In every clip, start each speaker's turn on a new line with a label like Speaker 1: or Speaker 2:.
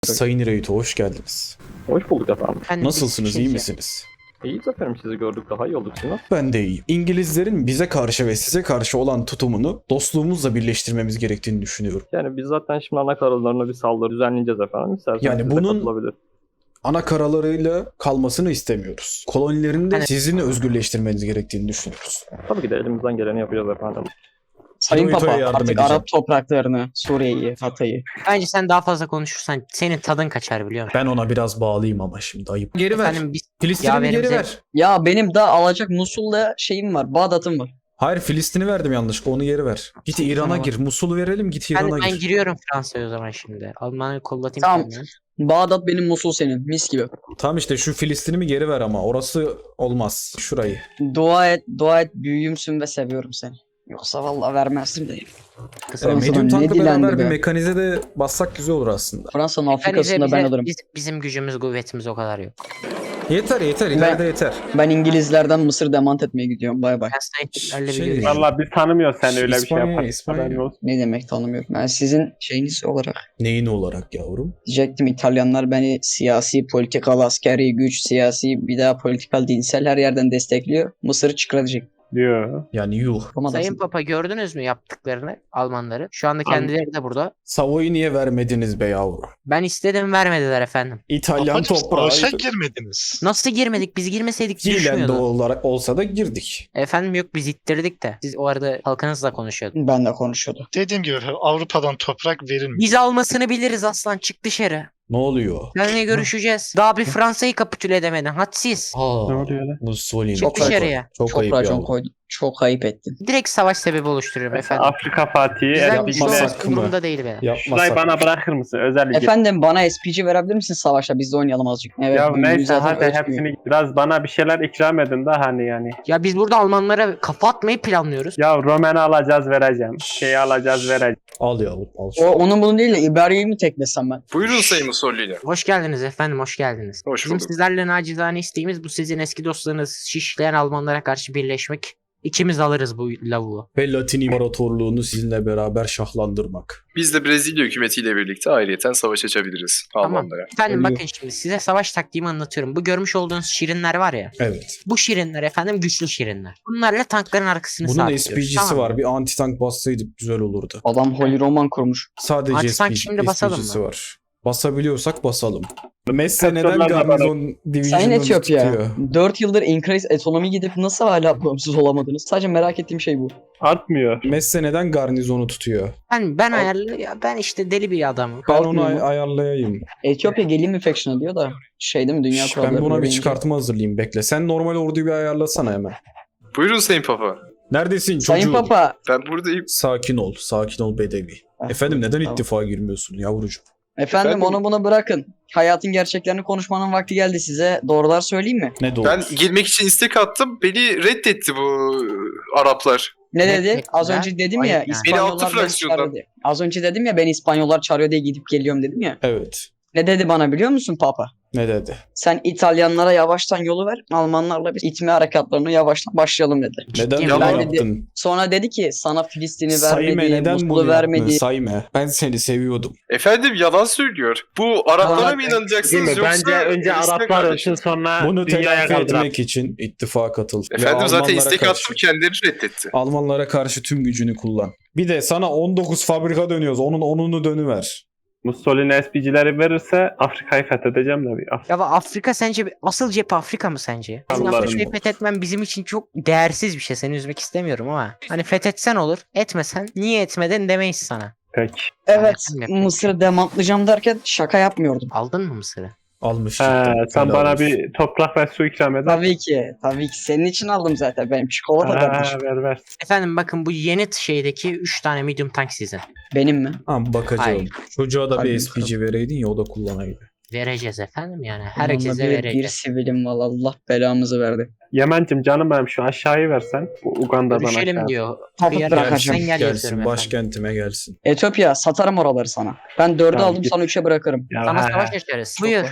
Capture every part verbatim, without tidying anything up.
Speaker 1: Sayın Reito, hoş geldiniz.
Speaker 2: Hoş bulduk efendim.
Speaker 3: Efendim,
Speaker 1: Nasılsınız,
Speaker 3: biz
Speaker 1: iyi
Speaker 3: şimdi-
Speaker 1: misiniz?
Speaker 2: İyiyiz efendim, sizi gördük, daha iyi olduk Sinan.
Speaker 1: Ben de iyiyim. İngilizlerin bize karşı ve size karşı olan tutumunu dostluğumuzla birleştirmemiz gerektiğini düşünüyorum.
Speaker 2: Yani biz zaten şimdi ana karalarına bir saldırı düzenleyeceğiz efendim. İsterseniz
Speaker 1: Yani
Speaker 2: siz de
Speaker 1: bunun-
Speaker 2: katılabilir.
Speaker 1: Ana karalarıyla kalmasını istemiyoruz. Kolonilerin de
Speaker 3: Hani-
Speaker 1: sizin özgürleştirmeniz gerektiğini düşünüyoruz.
Speaker 2: Tabii ki de elimizden geleni yapacağız efendim.
Speaker 4: Sayın
Speaker 1: Hirohito'ya
Speaker 4: Papa
Speaker 1: yardım
Speaker 4: artık
Speaker 1: edeceğim.
Speaker 4: Arap topraklarını, Suriye'yi, Hatay'ı.
Speaker 3: Bence sen daha fazla konuşursan senin tadın kaçar biliyor musun?
Speaker 1: Ben ona biraz bağlıyım ama şimdi ayıp. Geri ver.
Speaker 3: Efendim biz
Speaker 1: Filistin'i geri
Speaker 3: yaverimize-
Speaker 1: ver.
Speaker 4: Ya benim daha alacak Musul'da şeyim var, Bağdat'ım var.
Speaker 1: Hayır, Filistin'i verdim yanlışlıkla, onu geri ver. Git İran'a
Speaker 3: Tamam.
Speaker 1: gir. Musul'u verelim, git
Speaker 3: ben,
Speaker 1: İran'a
Speaker 3: ben
Speaker 1: gir.
Speaker 3: giriyorum Fransa'ya o zaman şimdi. Almanya'yı kollatayım
Speaker 4: Tamam.
Speaker 3: kendime.
Speaker 4: Bağdat benim, Musul senin. Mis gibi.
Speaker 1: Tamam işte şu Filistin'i mi geri ver ama orası olmaz. Şurayı.
Speaker 4: Dua et, dua et, büyüğümsün ve seviyorum seni. Yoksa vallahi vermezdim de.
Speaker 3: Kısa
Speaker 1: E,
Speaker 4: Fransa'dan
Speaker 1: medium
Speaker 4: ne
Speaker 1: tankla
Speaker 4: dilendi
Speaker 1: beraber bir
Speaker 4: be?
Speaker 1: mekanize de bassak güzel olur aslında.
Speaker 4: Fransa'nın
Speaker 3: Bence
Speaker 4: Afrika'sında
Speaker 3: bize-
Speaker 4: ben alırım.
Speaker 3: biz- bizim gücümüz, kuvvetimiz o kadar yok.
Speaker 1: Yeter yeter, ileride yeter.
Speaker 4: Ben İngilizlerden Mısır demant etmeye gidiyorum. Bay bay.
Speaker 3: Ben sana Hitler'le bir
Speaker 1: Şey-
Speaker 3: görüşeyim.
Speaker 2: Valla biz tanımıyoruz sen öyle bir şey
Speaker 1: İspanya,
Speaker 2: yaparsın.
Speaker 1: İspanya.
Speaker 2: Haberin olsun.
Speaker 4: Ne demek tanımıyorum. Ben sizin şeyiniz olarak
Speaker 1: Neyin olarak yavrum?
Speaker 4: diyecektim, İtalyanlar beni siyasi, politikal, askeri güç, siyasi, bir daha politikal, dinsel her yerden destekliyor. Mısır'ı çıkaracak.
Speaker 2: Diyor.
Speaker 1: Yani yuh.
Speaker 3: Sayın Papa gördünüz mü yaptıklarını Almanları? Şu anda kendileri de burada.
Speaker 1: Savoy'u niye vermediniz be yavrum?
Speaker 3: Ben istedim vermediler efendim.
Speaker 1: İtalyan
Speaker 5: Babacım,
Speaker 1: toprağı.
Speaker 5: savaşa girmediniz.
Speaker 3: Nasıl girmedik? Biz girmeseydik
Speaker 1: Fiilen de
Speaker 3: düşmüyordu.
Speaker 1: olarak olsa da girdik.
Speaker 3: Efendim yok biz ittirdik de. Siz o arada halkınızla konuşuyordunuz.
Speaker 4: Ben de konuşuyordum.
Speaker 5: Dediğim gibi Avrupa'dan toprak verilmiyor.
Speaker 3: Biz almasını biliriz aslan, çık dışarı.
Speaker 1: Ne oluyor?
Speaker 3: Seninle görüşeceğiz. Daha bir Fransa'yı kapitüle edemedin. Hadsiz.
Speaker 1: Aa,
Speaker 2: Ne oluyor lan?
Speaker 1: Mussolini.
Speaker 3: Çık dışarıya.
Speaker 1: Çok,
Speaker 4: Çok
Speaker 1: ayıp
Speaker 4: racon
Speaker 1: yavrum.
Speaker 4: koydum. Çok ayıp ettin.
Speaker 3: Direkt savaş sebebi oluştururum efendim.
Speaker 2: Afrika Fatih'i
Speaker 3: Bizden
Speaker 1: yapmasak
Speaker 3: güçlü
Speaker 2: Esbic'le.
Speaker 3: olmak
Speaker 1: mı?
Speaker 3: umurumda değil benim.
Speaker 2: Şurayı
Speaker 1: Yapmasak.
Speaker 2: bana bırakır mısın? Özel ilgi.
Speaker 4: Efendim bana S P G verebilir misin savaşta? Biz de oynayalım azıcık. Evet,
Speaker 2: Ya
Speaker 4: büyüğümüz
Speaker 2: neyse
Speaker 4: zaten
Speaker 2: hadi
Speaker 4: ötmüyor.
Speaker 2: hepsini biraz bana bir şeyler ikram edin de hani yani.
Speaker 3: Ya biz burada Almanlara kafa atmayı planlıyoruz.
Speaker 2: Ya Romen'i alacağız vereceğim. Şeyi alacağız vereceğim.
Speaker 1: Al yavrum al.
Speaker 4: O,
Speaker 1: şunu.
Speaker 4: onun bunun değil de İberya'yı mı teklesem ben?
Speaker 6: Buyurun Sayın Mussolini.
Speaker 3: Hoş geldiniz efendim, hoş geldiniz.
Speaker 6: Hoş
Speaker 3: Bizim
Speaker 6: bulduk.
Speaker 3: sizlerle nacizane isteğimiz bu sizin eski dostlarınız şişleyen Almanlara karşı birleşmek. İkimiz alırız bu lavuğu.
Speaker 1: Ve Latin İmparatorluğunu sizinle beraber şahlandırmak.
Speaker 6: Biz de Brezilya hükümetiyle birlikte ayrıyeten savaş açabiliriz
Speaker 3: Tamam.
Speaker 6: Almanlara.
Speaker 3: Efendim
Speaker 4: Ölüyor.
Speaker 3: bakın şimdi size savaş taktiğimi anlatıyorum. Bu görmüş olduğunuz şirinler var ya.
Speaker 1: Evet.
Speaker 3: Bu şirinler efendim güçlü şirinler. Bunlarla tankların arkasını
Speaker 1: Bunun
Speaker 3: sabitliyoruz.
Speaker 1: S P G'si
Speaker 3: tamam mı?
Speaker 1: var. Bir anti-tank bassaydık güzel olurdu.
Speaker 4: Adam Holy Roman kurmuş.
Speaker 1: Sadece
Speaker 3: Anti-tank
Speaker 1: S P G,
Speaker 3: şimdi basalım
Speaker 1: S P G'si
Speaker 3: mı?
Speaker 1: var. Basabiliyorsak basalım. Messe neden
Speaker 2: Katırlarla
Speaker 1: garnizon
Speaker 4: Sayın
Speaker 1: division'ını
Speaker 4: Etiyopya,
Speaker 1: tutuyor?
Speaker 4: dört yıldır increase ekonomi gidip nasıl hala bağımsız olamadınız? Sadece merak ettiğim şey bu.
Speaker 2: Artmıyor.
Speaker 1: Messe neden garnizonu tutuyor?
Speaker 3: Ben ben ayarlı ya ben işte deli bir adamım.
Speaker 1: Ben onu
Speaker 4: Kalkmıyor
Speaker 1: ay-
Speaker 4: mu?
Speaker 1: ayarlayayım.
Speaker 4: Etiyopya gelin mi faction diyor da şey değil mi, dünya
Speaker 1: Şş,
Speaker 4: kuralları
Speaker 1: ben buna bir
Speaker 4: deyince.
Speaker 1: çıkartma hazırlayayım, bekle. Sen normal orduyu bir ayarlasana hemen.
Speaker 6: Buyurun Sayın Papa.
Speaker 1: Neredesin çocuğum?
Speaker 4: Sayın Papa.
Speaker 6: Ben buradayım.
Speaker 1: Sakin ol, sakin ol bedevi. Efendim neden
Speaker 4: Tamam.
Speaker 1: ittifaka girmiyorsun yavrucuğum?
Speaker 4: Efendim,
Speaker 6: Efendim?
Speaker 4: onu bunu bırakın. Hayatın gerçeklerini konuşmanın vakti geldi size. Doğrular söyleyeyim mi?
Speaker 1: Ne doğru?
Speaker 6: Ben girmek için istek attım. Beni reddetti bu Araplar.
Speaker 4: Ne
Speaker 3: Ne
Speaker 4: dedi?
Speaker 3: demek
Speaker 4: Az
Speaker 3: ya?
Speaker 4: önce dedim
Speaker 3: Ayıp
Speaker 4: ya
Speaker 3: yani.
Speaker 6: Beni
Speaker 4: İspanyollar
Speaker 6: altı
Speaker 4: beni
Speaker 6: fraksiyondan.
Speaker 4: çağırıyor diye. Az önce dedim ya ben İspanyollar çağırıyor diye gidip geliyorum dedim ya.
Speaker 1: Evet.
Speaker 4: Ne dedi bana biliyor musun Papa?
Speaker 1: Ne dedi?
Speaker 4: Sen İtalyanlara yavaştan yolu ver. Almanlarla biz itme harekatlarını yavaştan başlayalım dedi.
Speaker 1: Neden
Speaker 3: Ciddiyim.
Speaker 1: böyle
Speaker 4: Ben de-
Speaker 1: yaptın?
Speaker 4: Sonra dedi ki sana Filistin'i
Speaker 1: Sayme
Speaker 4: vermedi,
Speaker 1: neden
Speaker 4: Musul'u
Speaker 1: bunu
Speaker 4: vermedi.
Speaker 1: yaptın? Sayme. Ben seni seviyordum.
Speaker 6: Efendim yalan söylüyor. Bu Araplara
Speaker 4: Yalan-
Speaker 6: mı
Speaker 2: Değil
Speaker 6: inanacaksınız
Speaker 2: mi?
Speaker 6: yoksa...
Speaker 2: Bence önce
Speaker 6: İstek
Speaker 2: Araplar
Speaker 6: kardeşim.
Speaker 2: ölsün sonra
Speaker 1: Bunu
Speaker 2: dünyaya
Speaker 1: telafi
Speaker 2: kaldırar.
Speaker 1: etmek için ittifaka katıl. Ve
Speaker 6: Efendim zaten
Speaker 1: Almanlara
Speaker 6: istek
Speaker 1: karşı-
Speaker 6: attım kendileri reddetti.
Speaker 1: Almanlara karşı tüm gücünü kullan. Bir de sana on dokuz fabrika dönüyoruz. Onun onunu dönüver.
Speaker 2: Mussolini S P G'leri verirse Afrika'yı fethedeceğim de bir. Af-
Speaker 3: Ya bak Afrika sence asıl cephe Afrika mı sence? Bizim
Speaker 2: Allah'ım.
Speaker 3: Afrika'yı fethetmen bizim için çok değersiz bir şey. Seni üzmek istemiyorum ama. Hani fethetsen olur, etmesen niye etmedin demeyiz sana.
Speaker 2: Peki.
Speaker 4: Evet,
Speaker 3: Anladım.
Speaker 4: Mısır'ı demantlayacağım derken şaka yapmıyordum.
Speaker 3: Aldın mı Mısır'ı?
Speaker 1: Almış.
Speaker 2: He,
Speaker 1: cidden.
Speaker 2: sen
Speaker 1: Helal
Speaker 2: bana
Speaker 1: olsun.
Speaker 2: bir toprak ve su ikram eder.
Speaker 4: Tabii ki, tabii ki. Senin için aldım zaten. Benim çikolata
Speaker 2: Ha,
Speaker 4: kardeşim.
Speaker 2: ver ver.
Speaker 3: Efendim bakın bu yeni şeydeki üç tane medium tank sizin.
Speaker 4: Benim mi?
Speaker 1: Tamam bakacağım.
Speaker 3: Hayır.
Speaker 1: Çocuğa da bir
Speaker 4: Hayır,
Speaker 1: S P G vereydin ya o da kullanaydı.
Speaker 3: Vereceğiz efendim yani.
Speaker 4: Onunla
Speaker 3: Herkese
Speaker 4: bir, bir
Speaker 3: vereceğiz.
Speaker 4: sivilim var. Allah belamızı verdi.
Speaker 2: Yemen'cim canım benim şu aşağıyı versen. Bu Uganda'dan
Speaker 3: Görüşelim
Speaker 2: aşağı.
Speaker 3: diyor.
Speaker 4: Kapıp
Speaker 3: Kıyar-
Speaker 4: bırakacağım.
Speaker 3: Sen gel
Speaker 1: gelsin
Speaker 3: yazıyorum efendim.
Speaker 1: başkentime gelsin.
Speaker 4: Etiyopya satarım oraları sana. Ben dörde
Speaker 2: Tamam,
Speaker 4: aldım
Speaker 2: git.
Speaker 4: sana üçe bırakırım.
Speaker 2: Ya,
Speaker 3: Sana
Speaker 2: he,
Speaker 3: savaş
Speaker 2: he.
Speaker 3: açarız.
Speaker 4: Çok
Speaker 3: Buyur.
Speaker 4: var.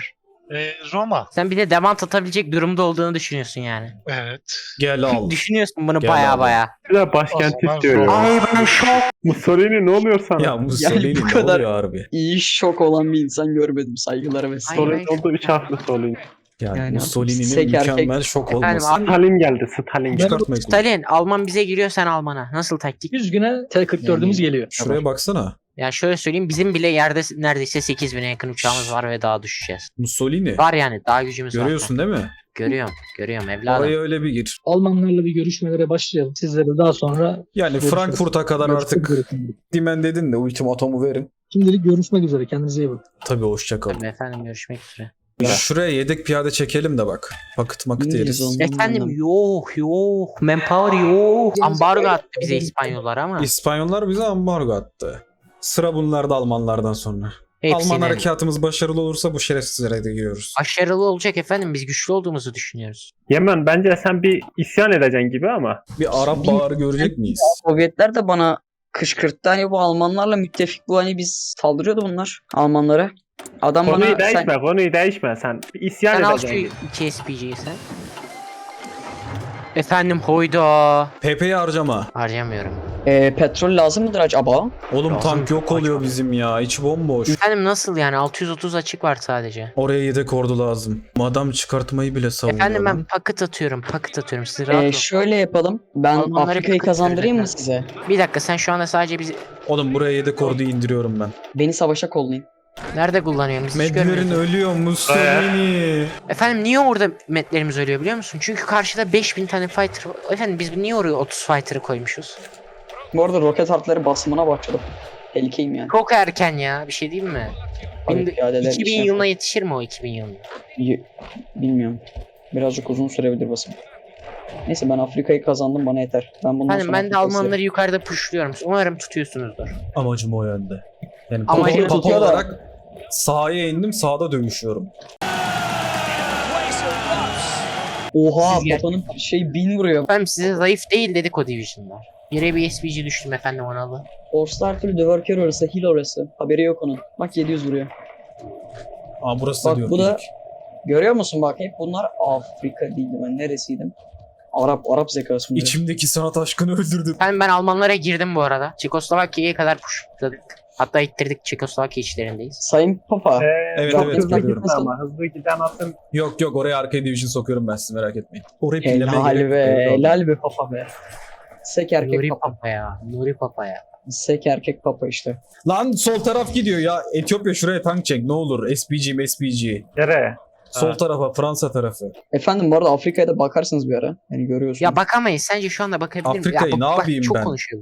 Speaker 5: Ee, Roma.
Speaker 3: Sen bir de demant atabilecek durumda olduğunu düşünüyorsun yani.
Speaker 5: Evet.
Speaker 1: Gel al.
Speaker 3: Düşünüyorsun bunu
Speaker 1: Gel
Speaker 3: baya
Speaker 1: abi.
Speaker 3: baya.
Speaker 2: Bir de başkent
Speaker 5: O zaman
Speaker 2: istiyor
Speaker 5: Roma.
Speaker 2: ya.
Speaker 3: Ay ben şok.
Speaker 2: Mussolini ne oluyor sana?
Speaker 1: Ya Mussolini
Speaker 4: bu
Speaker 1: ne
Speaker 4: kadar-
Speaker 1: oluyor harbi?
Speaker 4: İyi şok olan bir insan görmedim. Saygılar ve
Speaker 3: Ay,
Speaker 2: Mussolini
Speaker 3: ben-
Speaker 2: oldu üç harfli Mussolini.
Speaker 1: Yani,
Speaker 4: Yani
Speaker 1: Mussolini'nin
Speaker 4: sek erkek-
Speaker 1: mükemmel şok
Speaker 3: Efendim,
Speaker 1: olması.
Speaker 3: abi-
Speaker 2: Stalin geldi Stalin.
Speaker 1: Çıkartmayın.
Speaker 3: Stalin Alman bize giriyor sen Alman'a. Nasıl taktik?
Speaker 7: yüz güne T kırk dördümüz
Speaker 4: Yani-
Speaker 7: geliyor.
Speaker 1: Şuraya baksana.
Speaker 3: Ya şöyle söyleyeyim bizim bile yerde neredeyse sekiz bine yakın uçağımız var ve daha düşeceğiz.
Speaker 1: Mussolini.
Speaker 3: Var yani daha gücümüz var.
Speaker 1: Görüyorsun değil mi?
Speaker 3: Görüyorum. Görüyorum evladım.
Speaker 1: Oraya öyle bir gir.
Speaker 7: Almanlarla bir görüşmelere başlayalım. Sizlere de daha sonra
Speaker 1: Yani
Speaker 7: görüşürüz.
Speaker 1: Frankfurt'a kadar
Speaker 7: Görüşmek
Speaker 1: artık
Speaker 7: üzere şimdilik.
Speaker 1: dimen dedin de ultimatomu verin.
Speaker 7: Şimdilik görüşmek üzere. Kendinize iyi bakın.
Speaker 1: Tabii hoşça kalın.
Speaker 3: Tabii efendim görüşmek üzere.
Speaker 1: Şuraya yedek piyade çekelim de bak. Pakıt makıt
Speaker 4: İngiliz
Speaker 1: yeriz.
Speaker 4: olmam
Speaker 3: Efendim
Speaker 4: lazım.
Speaker 3: yok yok. Manpower yok. Ambargo attı bize İspanyollar ama.
Speaker 1: İspanyollar bize ambargo attı. Sıra bunlarda Almanlardan sonra.
Speaker 3: Hepsinin
Speaker 1: Alman harekatımız başarılı olursa bu şerefsizlere de giriyoruz.
Speaker 3: başarılı olacak efendim. Biz güçlü olduğumuzu düşünüyoruz.
Speaker 2: Yemen bence sen bir isyan edeceksin gibi ama.
Speaker 1: Bir Arap bağrı görecek miyiz?
Speaker 4: Sovyetler de bana kışkırttı. Hani bu Almanlarla müttefik bu hani biz saldırıyordu bunlar Almanlara. Adam
Speaker 2: Konuyu
Speaker 4: bana
Speaker 2: değişme,
Speaker 4: sen,
Speaker 2: konuyu değişme sen. Bir isyan
Speaker 3: Sen al şu
Speaker 2: edeceksin.
Speaker 3: iki S P G'yi sen. Efendim hoyda.
Speaker 1: P P'yi harcama.
Speaker 3: Harcamıyorum.
Speaker 4: e, petrol lazım mıdır acaba?
Speaker 1: Oğlum
Speaker 3: Lazım.
Speaker 1: tank yok oluyor bizim ya. İçi bomboş.
Speaker 3: Efendim nasıl yani altı yüz otuz açık var sadece.
Speaker 1: Oraya yedek ordu lazım. Adam çıkartmayı bile savunuyor
Speaker 3: Efendim ben
Speaker 1: lan.
Speaker 3: paket atıyorum paket atıyorum siz rahat
Speaker 4: E,
Speaker 3: olun.
Speaker 4: şöyle yapalım. Ben
Speaker 3: Almanlara
Speaker 4: Afrika'yı
Speaker 3: bir
Speaker 4: kazandırayım mı
Speaker 3: kıt
Speaker 4: size?
Speaker 3: Bir dakika sen şu anda sadece bizi
Speaker 1: Oğlum buraya yedek orduyu indiriyorum ben.
Speaker 4: Beni savaşa kollayın.
Speaker 3: nerede kullanıyorsun biz hiç
Speaker 1: Medlerin
Speaker 3: görmüyoruz.
Speaker 1: ölüyor Mussolini.
Speaker 3: Efendim niye orada metlerimiz ölüyor biliyor musun? Çünkü karşıda beş bin tane fighter. Efendim biz niye oraya otuz fighter'ı koymuşuz?
Speaker 4: Bu arada roket harfleri basımına başladım. Tehlikeyim yani.
Speaker 3: Çok erken ya bir şey değil mi?
Speaker 4: Abi,
Speaker 3: Bin-
Speaker 4: piyadeler
Speaker 3: iki bin
Speaker 4: işe-
Speaker 3: yılına yetişir mi o iki bin yılına?
Speaker 4: Y- Bilmiyorum. Birazcık uzun sürebilir basım. Neyse ben Afrika'yı kazandım bana yeter. Ben bundan
Speaker 3: Efendim
Speaker 4: sonra
Speaker 3: ben de
Speaker 4: Afrika'yı
Speaker 3: Almanları yukarıda pushluyorum. Umarım tutuyorsunuzdur.
Speaker 1: Amacım o yönde. Yani
Speaker 3: Amacım
Speaker 1: papa, papa
Speaker 4: tutuyor da-
Speaker 1: olarak sahaya indim, sahada dövüşüyorum.
Speaker 4: Oha
Speaker 3: Siz gel-
Speaker 4: Papa'nın şey bin vuruyor.
Speaker 3: Efendim size zayıf değil dedik o division'lar. Yere bir S P G düştüm efendim Analı.
Speaker 4: Force'da her türlü döverker orası, heal orası. Haberi yok onun. Bak yedi yüz vuruyor.
Speaker 1: Aa burası da
Speaker 4: Bak
Speaker 1: diyor.
Speaker 4: bu da
Speaker 1: ilk.
Speaker 4: görüyor musun bak hep bunlar Afrika değildi ben neresiydim? Arap Arap zekası bunlar.
Speaker 1: İçimdeki sanat aşkını öldürdüm.
Speaker 3: Efendim ben Almanlara girdim bu arada. Çekoslovakya'ya kadar pushladık. Hatta ittirdik Çekoslovakya içlerindeyiz.
Speaker 4: Sayın Papa.
Speaker 2: Ee,
Speaker 1: Evet,
Speaker 2: çok
Speaker 4: evet,
Speaker 2: hızlı
Speaker 1: görüyorum.
Speaker 2: gitme ama hızlı giden atın.
Speaker 1: Yok yok oraya arkaya division sokuyorum ben sizi merak etmeyin. Orayı pillemeye
Speaker 4: Helal
Speaker 1: gerek
Speaker 4: be,
Speaker 1: yok.
Speaker 4: helal be Papa be. Sek erkek
Speaker 3: Nuri
Speaker 4: Papa.
Speaker 3: Papa ya. Nuri Papa ya.
Speaker 4: Sek erkek Papa işte.
Speaker 1: Lan sol taraf gidiyor ya. Etiyopya şuraya tank çek ne olur. S P G, S P G.
Speaker 2: Nereye?
Speaker 1: Sol
Speaker 2: Ha.
Speaker 1: tarafa Fransa tarafı.
Speaker 4: Efendim bu arada Afrika'ya da bakarsınız bir ara. Yani görüyorsunuz.
Speaker 3: Ya bakamayız. Sence şu anda bakabilir miyim?
Speaker 1: Afrika'yı
Speaker 3: Ya
Speaker 1: ne
Speaker 3: bak- bak,
Speaker 1: yapayım
Speaker 3: çok
Speaker 1: ben?
Speaker 3: konuşuyorum.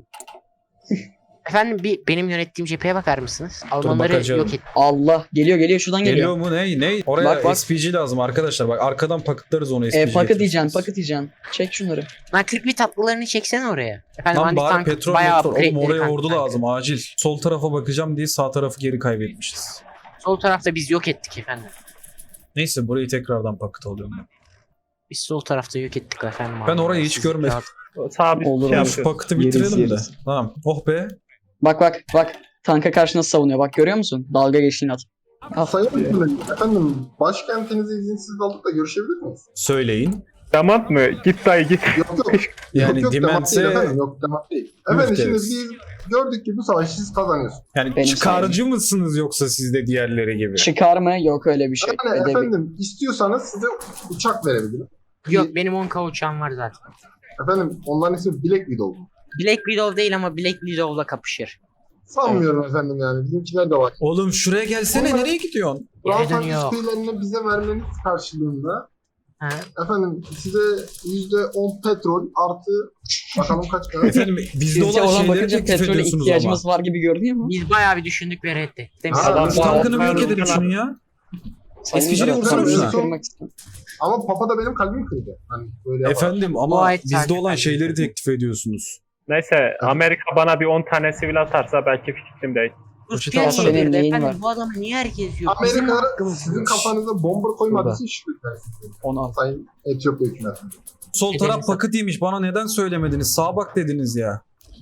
Speaker 3: Efendim bir benim yönettiğim cepheye bakar mısınız? Almanları
Speaker 1: bakacağım.
Speaker 3: yok et.
Speaker 4: Allah geliyor geliyor şuradan geliyor.
Speaker 1: Geliyor mu ne? Ne? Oraya
Speaker 4: Bak, bak.
Speaker 1: S P G lazım arkadaşlar. Bak arkadan pakıtlarız onu S P G.
Speaker 4: E, paket
Speaker 1: getirirsiniz.
Speaker 4: diyeceksin, paket diyeceksin. Çek şunları.
Speaker 3: Lan kırk bir tatlılarını çeksene oraya. Efendim
Speaker 1: Lan
Speaker 3: hani
Speaker 1: bari
Speaker 3: tank
Speaker 1: petrol
Speaker 3: bayağı
Speaker 1: petrol. Oğlum
Speaker 3: upgrade'leri
Speaker 1: oraya
Speaker 3: kanka,
Speaker 1: ordu
Speaker 3: kanka.
Speaker 1: lazım acil. Sol tarafa bakacağım diye sağ tarafı geri kaybetmişiz.
Speaker 3: Sol tarafta biz yok ettik efendim.
Speaker 1: Neyse burayı tekrardan pakıt alıyorum ben.
Speaker 3: Biz sol tarafta yok ettik efendim.
Speaker 1: Ben orayı hiç
Speaker 3: Siz
Speaker 1: görmedim.
Speaker 3: rahat-
Speaker 2: Sağ bir
Speaker 4: Olur,
Speaker 2: şey
Speaker 4: olur.
Speaker 1: Şu
Speaker 2: yapıyoruz.
Speaker 1: pakıtı
Speaker 4: Yeriz,
Speaker 1: bitirelim de.
Speaker 4: yeriz.
Speaker 1: Tamam. Oh be.
Speaker 4: Bak bak bak. Tanka karşı nasıl savunuyor? Bak görüyor musun? Dalga geçtiğini at.
Speaker 8: Sayın Hükümet, efendim başkentinizi izinsiz alıp da görüşebilir miyiz?
Speaker 1: Söyleyin.
Speaker 2: Damat mı? Git dayı git.
Speaker 8: Yok yok.
Speaker 1: Yani
Speaker 8: yok, yok, demat değil
Speaker 1: Dimense
Speaker 8: efendim. Yok demat değil. Efendim şimdi
Speaker 1: Muhteriz.
Speaker 8: biz gördük ki bu savaşı siz kazanıyorsunuz.
Speaker 1: yani
Speaker 4: Benim
Speaker 1: çıkarcı mısınız yoksa siz de diğerleri gibi?
Speaker 4: Çıkar mı? Yok öyle bir şey.
Speaker 8: Yani
Speaker 4: Edebi.
Speaker 8: efendim istiyorsanız size uçak verebilirim.
Speaker 3: Yok benim on K uçağım var zaten.
Speaker 8: Efendim onların ismi Black Widow.
Speaker 3: Black Widow değil ama Black Widow'la kapışır.
Speaker 8: Sanmıyorum efendim yani. Bizimkiler de var.
Speaker 1: Oğlum şuraya gelsene
Speaker 8: Onlar-
Speaker 1: nereye gidiyorsun?
Speaker 3: Geri
Speaker 8: Fransa
Speaker 3: dönüyor.
Speaker 8: işbirlerini bize vermeniz karşılığında
Speaker 3: Ha?
Speaker 8: efendim size yüzde on petrol artı bakalım kaç kadar.
Speaker 1: Efendim bizde
Speaker 4: Sizce
Speaker 1: olan
Speaker 4: oradan
Speaker 1: şeyleri
Speaker 4: bakınca
Speaker 1: teklif
Speaker 4: petrole
Speaker 1: ediyorsunuz ama.
Speaker 4: ihtiyacımız var gibi görünüyor mu?
Speaker 3: Biz bayağı bir düşündük ve reddettik. Demiş
Speaker 8: Ha,
Speaker 3: adam.
Speaker 1: Şu tankını bir yok
Speaker 2: Ben-
Speaker 1: edelim şunu ya.
Speaker 4: Sayın
Speaker 1: S P G'ye
Speaker 4: Murat,
Speaker 1: vursana
Speaker 4: ben
Speaker 1: şuna.
Speaker 4: kırmak istiyorum.
Speaker 8: Ama Papa da benim kalbimi kırdı. Hani böyle yapar.
Speaker 1: Efendim ama
Speaker 3: Gayet
Speaker 1: bizde
Speaker 3: takip
Speaker 1: olan
Speaker 3: edin.
Speaker 1: şeyleri teklif ediyorsunuz.
Speaker 2: Neyse Amerika bana bir on tane sivil atarsa belki fikrim değil.
Speaker 1: Poşeti
Speaker 3: Türkiye
Speaker 1: alsana.
Speaker 3: niye
Speaker 4: Senin
Speaker 3: girdi?
Speaker 4: neyin
Speaker 3: Efendim
Speaker 4: var?
Speaker 3: bu adamı niye herkes yok? Bizim
Speaker 8: Amerika
Speaker 3: hakkımız
Speaker 8: sizin
Speaker 3: yok.
Speaker 8: kafanıza bomba koymadıysa şükürler size.
Speaker 4: Onu al.
Speaker 8: Sayın Etiyopya hükümeti.
Speaker 1: Sol
Speaker 3: Edelim
Speaker 1: taraf pakıtıymış bana neden söylemediniz? Sağa bak dediniz ya.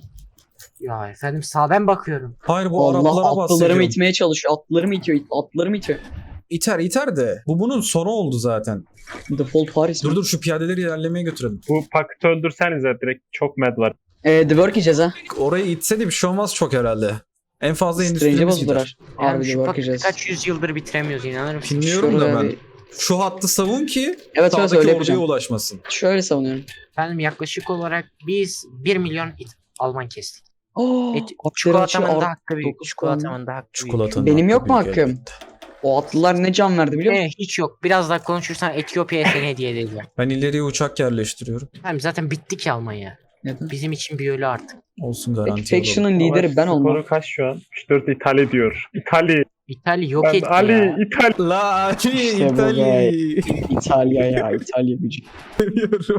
Speaker 3: Ya efendim sağdan bakıyorum.
Speaker 1: Hayır bu
Speaker 4: Allah
Speaker 1: Araplara
Speaker 4: atlılarımı
Speaker 1: bahsediyorum.
Speaker 4: itmeye çalışıyor. Atlılarımı itiyor. Atlılarımı itiyor.
Speaker 1: iter iter de. Bu bunun sonu oldu zaten.
Speaker 4: Default Paris mi?
Speaker 1: Dur dur şu piyadeleri ilerlemeye götürelim.
Speaker 2: Bu paketi öldürsenize direkt çok med var.
Speaker 4: Ee, The Work yiyeceğiz ha.
Speaker 1: Orayı itse de bir şey olmaz çok herhalde. En fazla
Speaker 4: Strange'e
Speaker 1: endüstrimiz gider.
Speaker 4: bozdular.
Speaker 3: Yani
Speaker 4: Harbi The
Speaker 3: şu
Speaker 4: Work
Speaker 3: paketi
Speaker 4: yiyeceğiz.
Speaker 3: kaç yüzyıldır bitiremiyoruz inanır mısın?
Speaker 1: Bilmiyorum da
Speaker 4: Şurada
Speaker 1: ben.
Speaker 4: bir-
Speaker 1: Şu hattı savun ki
Speaker 4: Evet evet
Speaker 1: sağdaki
Speaker 4: öyle
Speaker 1: orduya
Speaker 4: yapacağım.
Speaker 1: ulaşmasın.
Speaker 4: Şöyle savunuyorum.
Speaker 3: Efendim yaklaşık olarak biz bir milyon it Alman kestik.
Speaker 4: Oh,
Speaker 3: Et,
Speaker 4: atları
Speaker 3: çikolatamın
Speaker 4: açı
Speaker 3: da
Speaker 4: art-
Speaker 3: hakkı büyük.
Speaker 4: dokuz
Speaker 3: Çikolatamın da hakkı büyük.
Speaker 1: Çikolatanın
Speaker 4: Benim
Speaker 1: hakkı
Speaker 4: yok mu
Speaker 1: büyük
Speaker 4: hakkım?
Speaker 1: elbette.
Speaker 4: O atlılar ne can verdi biliyor musun?
Speaker 3: Eh, hiç yok. Biraz daha konuşursan Etiyopya'ya seni hediye edeceğim.
Speaker 1: Ben ileriye uçak yerleştiriyorum.
Speaker 3: Efendim zaten bitti ki Almanya.
Speaker 4: Neden?
Speaker 3: Bizim için bir ölü artık.
Speaker 1: Olsun garanti alalım.
Speaker 4: Faction'ın lideri ben
Speaker 2: Skoru
Speaker 4: olmam.
Speaker 2: kaç şu an? üç dört İtalya diyor. İtalya.
Speaker 3: İtalya yok
Speaker 2: Ben
Speaker 3: etti
Speaker 2: Ali
Speaker 3: ya.
Speaker 2: İtalya.
Speaker 1: La Ali
Speaker 4: İşte bu
Speaker 1: İtalya.
Speaker 4: be. İtalya ya İtalya gücü.
Speaker 1: Demiyorum.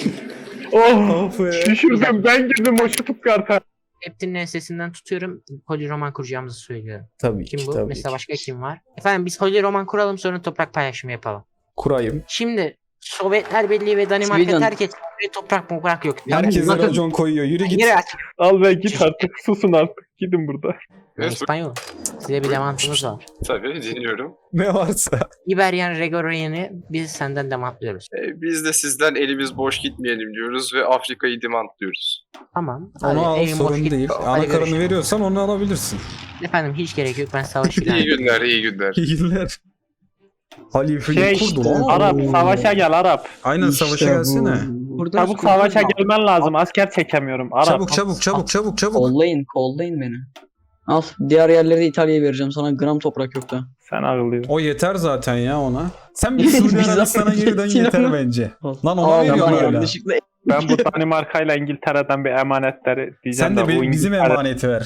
Speaker 2: Oh.
Speaker 1: Of be.
Speaker 2: Düşürdüm ben girdim o şutup karta.
Speaker 3: Hepsinin ensesinden tutuyorum. Holy Roman kuracağımızı söylüyorum.
Speaker 1: Tabii
Speaker 3: Kim
Speaker 1: ki
Speaker 3: bu?
Speaker 1: tabii
Speaker 3: Mesela
Speaker 1: ki.
Speaker 3: başka kim var? Efendim biz Holy Roman kuralım sonra toprak paylaşımı yapalım.
Speaker 1: Kurayım.
Speaker 3: Şimdi Sovyetler Birliği ve Danimarka
Speaker 4: Sweden.
Speaker 3: terk etti ve toprak toprak yok.
Speaker 1: Herkese
Speaker 3: Bakın,
Speaker 1: racon koyuyor. Yürü git.
Speaker 3: yere aç.
Speaker 2: Al be git artık susun artık. Gidin burada.
Speaker 3: Ben
Speaker 6: Evet,
Speaker 3: İspanyol. Size bir demantımız var.
Speaker 6: tabii dinliyorum.
Speaker 1: Ne varsa.
Speaker 3: İberyan Regorian'ı biz senden demantlıyoruz.
Speaker 6: E, biz de sizden elimiz boş gitmeyelim diyoruz ve Afrika'yı demantliyoruz.
Speaker 3: Tamam. hadi,
Speaker 1: Onu al
Speaker 3: evin boş
Speaker 1: sorun
Speaker 3: git.
Speaker 1: değil.
Speaker 3: Hadi
Speaker 1: Anakarını
Speaker 3: görüşürüz.
Speaker 1: veriyorsan onu alabilirsin.
Speaker 3: Efendim hiç gerek yok ben savaş ilan
Speaker 6: İyi
Speaker 3: ediyorum.
Speaker 6: günler, iyi günler.
Speaker 1: İyi günler. Halifeyi
Speaker 2: Şey
Speaker 1: kurdu
Speaker 2: işte,
Speaker 1: lan.
Speaker 2: Arap savaşa gel Arap.
Speaker 1: Aynen
Speaker 4: İşte
Speaker 1: savaşa
Speaker 4: bu.
Speaker 1: gelsene.
Speaker 4: Burada
Speaker 2: Çabuk savaşa gelmen lazım. Asker çekemiyorum. Arap.
Speaker 1: Çabuk çabuk çabuk çabuk çabuk.
Speaker 4: Kollayın kollayın beni. Al diğer yerleri de İtalya'ya vereceğim sana gram toprak yok da.
Speaker 2: Sen ağlıyorsun.
Speaker 1: O yeter zaten ya ona. Sen bir Suudi
Speaker 4: Biz
Speaker 1: Arabistan'a
Speaker 4: zaten
Speaker 1: geri dön
Speaker 4: yettin
Speaker 1: yeter
Speaker 4: ama.
Speaker 1: bence.
Speaker 4: Al.
Speaker 1: Lan ona
Speaker 4: Aa,
Speaker 1: veriyorsun
Speaker 4: ben
Speaker 1: hala.
Speaker 4: yanlışlıkla
Speaker 2: Ben bu Danimarka ile İngiltere'den bir emanetleri diyeceğim
Speaker 1: Sen de
Speaker 2: bu
Speaker 1: be- bizim
Speaker 2: İngiltere-
Speaker 1: emaneti ver.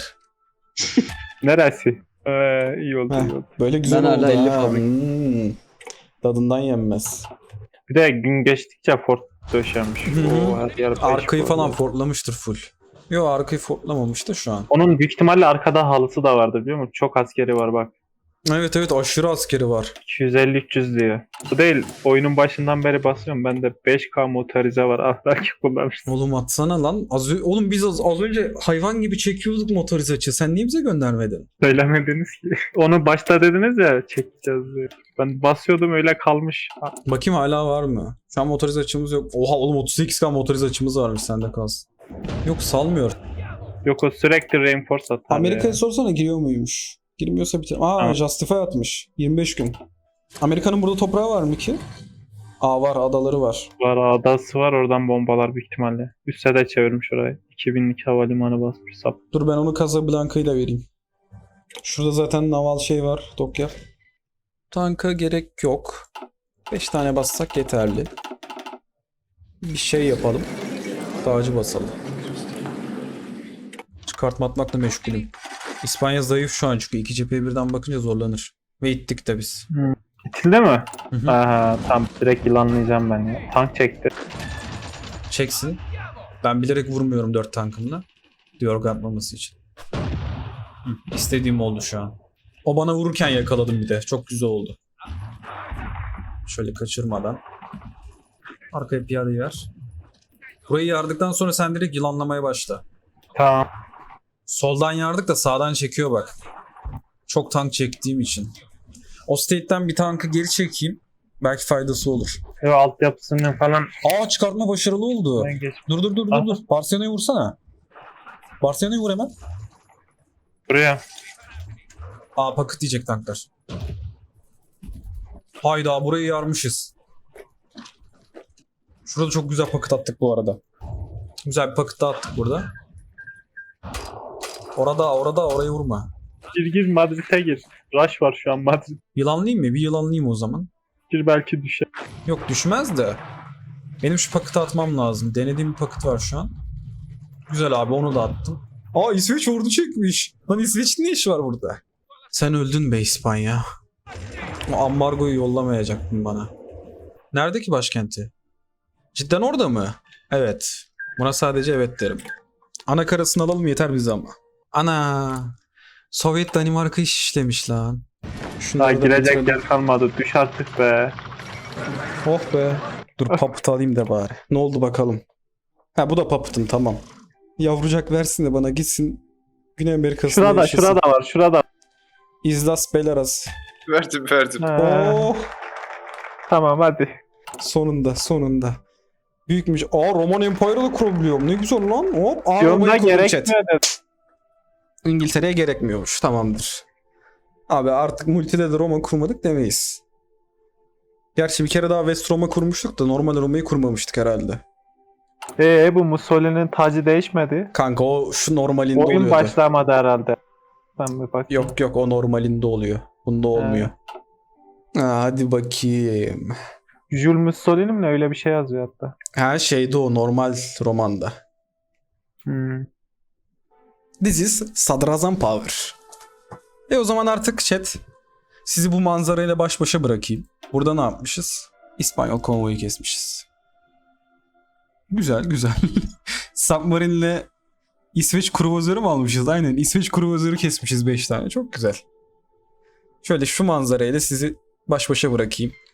Speaker 2: Neresi? Ee, iyi oldu
Speaker 1: Heh.
Speaker 2: iyi oldu.
Speaker 1: Böyle güzel
Speaker 4: Ben
Speaker 1: oldu
Speaker 4: hala elli
Speaker 1: ha.
Speaker 4: fabrik.
Speaker 1: Hmm. Tadından yenmez.
Speaker 2: Bir de gün geçtikçe fort döşenmiş.
Speaker 1: Hı hı.
Speaker 2: Oo, her yer beş
Speaker 1: Arkayı
Speaker 2: fort.
Speaker 1: falan fortlamıştır full. Yo arkayı fortlamamış da şu an.
Speaker 2: Onun büyük ihtimalle arkada halısı da vardı biliyor musun? Çok askeri var bak.
Speaker 1: Evet evet aşırı askeri var.
Speaker 2: iki yüz elli üç yüz diyor. Bu değil. Oyunun başından beri basıyorum. Bende beş K motorize var. Ahlaki kullanmışsın.
Speaker 1: Oğlum atsana lan. Az, ö- oğlum biz az, az önce hayvan gibi çekiyorduk motorize açı. Sen niye bize göndermedin?
Speaker 2: Söylemediniz ki. Onu başta dediniz ya çekeceğiz diye. Ben basıyordum öyle kalmış.
Speaker 1: Bakayım hala var mı? Şu an motorize açımız yok. Oha oğlum otuz sekiz K motorize açımız varmış sende kalsın. Yok salmıyor.
Speaker 2: Yok o sürekli reinforce atar.
Speaker 1: Amerika'ya
Speaker 2: ya.
Speaker 1: sorsana giriyor muymuş? Girmiyorsa bitir. Aa
Speaker 2: Tamam.
Speaker 1: Justify atmış. yirmi beş gün. Amerika'nın burada toprağı var mı ki? Aa var adaları var.
Speaker 2: Var adası var oradan bombalar büyük ihtimalle. Üste de çevirmiş orayı. iki binlik havalimanı basmış sap.
Speaker 1: Dur ben onu Casablanca'yı da vereyim. Şurada zaten naval şey var. Dokya. Tanka gerek yok. beş tane bassak yeterli. Bir şey yapalım. Dağcı basalım. Çıkartma atmakla meşgulüm. İspanya zayıf şu an çünkü iki cepheye birden bakınca zorlanır. Ve ittik de biz.
Speaker 2: İtildi mi?
Speaker 1: Hı hı.
Speaker 2: Aha tam direkt yılanlayacağım ben ya. Tank çekti.
Speaker 1: Çeksin. Ben bilerek vurmuyorum dört tankımla. Diyor atmaması için. Hı, istediğim oldu şu an. O bana vururken yakaladım bir de. Çok güzel oldu. Şöyle kaçırmadan. Arkaya piyadeyi ver. Burayı yardıktan sonra sen direkt yılanlamaya başla.
Speaker 2: Tamam.
Speaker 1: Soldan yardık da sağdan çekiyor bak. Çok tank çektiğim için. O state'den bir tankı geri çekeyim. Belki faydası olur.
Speaker 2: Ev altyapısını falan
Speaker 1: Aa çıkartma başarılı oldu.
Speaker 2: ben geç.
Speaker 1: Dur dur dur dur
Speaker 2: Aha.
Speaker 1: dur. Barcelona'yı vursana. Barcelona'yı vur hemen.
Speaker 2: Buraya.
Speaker 1: Aa paket diyecek tanklar. Hayda burayı yarmışız. Şurada çok güzel paket attık bu arada. Güzel bir paket daha attık burada. Orada orada orayı vurma.
Speaker 2: Gir gir Madrid'e gir. Rush var şu an Madrid.
Speaker 1: Yılanlayayım mı? Bir yılanlayayım o zaman.
Speaker 2: Gir belki düşer.
Speaker 1: Yok düşmez de. Benim şu paketi atmam lazım. Denediğim bir paket var şu an. Güzel abi onu da attım. Aa İsveç ordu çekmiş. Lan İsveç'in ne işi var burada? Sen öldün be İspanya. O ambargoyu yollamayacaktın bana. Nerede ki başkenti? Cidden orada mı? Evet. Buna sadece evet derim. Ana karasını alalım yeter bize ama. Ana. Sovyet Danimarka iş işlemiş lan.
Speaker 2: Daha
Speaker 1: Şunları da
Speaker 2: girecek
Speaker 1: bitirelim.
Speaker 2: yer kalmadı. Düş artık be.
Speaker 1: Oh be. Dur papıt alayım da bari. Ne oldu bakalım. Ha bu da papıtım tamam. Yavrucak versin de bana gitsin. Güney Amerika'sında
Speaker 2: Şurada
Speaker 1: yaşasın.
Speaker 2: şurada var şurada.
Speaker 1: İzlas Belarus.
Speaker 6: Verdim verdim.
Speaker 2: Ha,
Speaker 1: Oh,
Speaker 2: tamam hadi.
Speaker 1: sonunda sonunda. Büyükmüş. Aa, Roman Empire'ı da kurabiliyorum. Ne güzel lan. Hop. Aa,
Speaker 2: Yolda
Speaker 1: Roma'yı kurdum chat.
Speaker 2: gerekmiyor da.
Speaker 1: İngiltere'ye gerekmiyormuş. Tamamdır. Abi artık multide de Roma kurmadık demeyiz. Gerçi bir kere daha West Roma kurmuştuk da normal Roma'yı kurmamıştık herhalde.
Speaker 2: Ee bu Mussolini'nin tacı değişmedi.
Speaker 1: Kanka o şu normalinde
Speaker 2: Oyun
Speaker 1: oluyordu.
Speaker 2: başlamadı herhalde. Ben bir bakayım.
Speaker 1: Yok yok o normalinde oluyor. Bunda olmuyor. Ha, hadi bakayım.
Speaker 2: Jules Mussolini mi ne öyle bir şey yazıyor hatta.
Speaker 1: Her şeyde o normal romanda.
Speaker 2: Hmm.
Speaker 1: This is Sadrazam Power. E o zaman artık chat sizi bu manzarayla baş başa bırakayım. Burada ne yapmışız? İspanyol konvoyu kesmişiz. Güzel güzel. Submarine'le İsveç kruvazörü mü almışız? Aynen İsveç kruvazörü kesmişiz beş tane. Çok güzel. Şöyle şu manzarayla sizi baş başa bırakayım.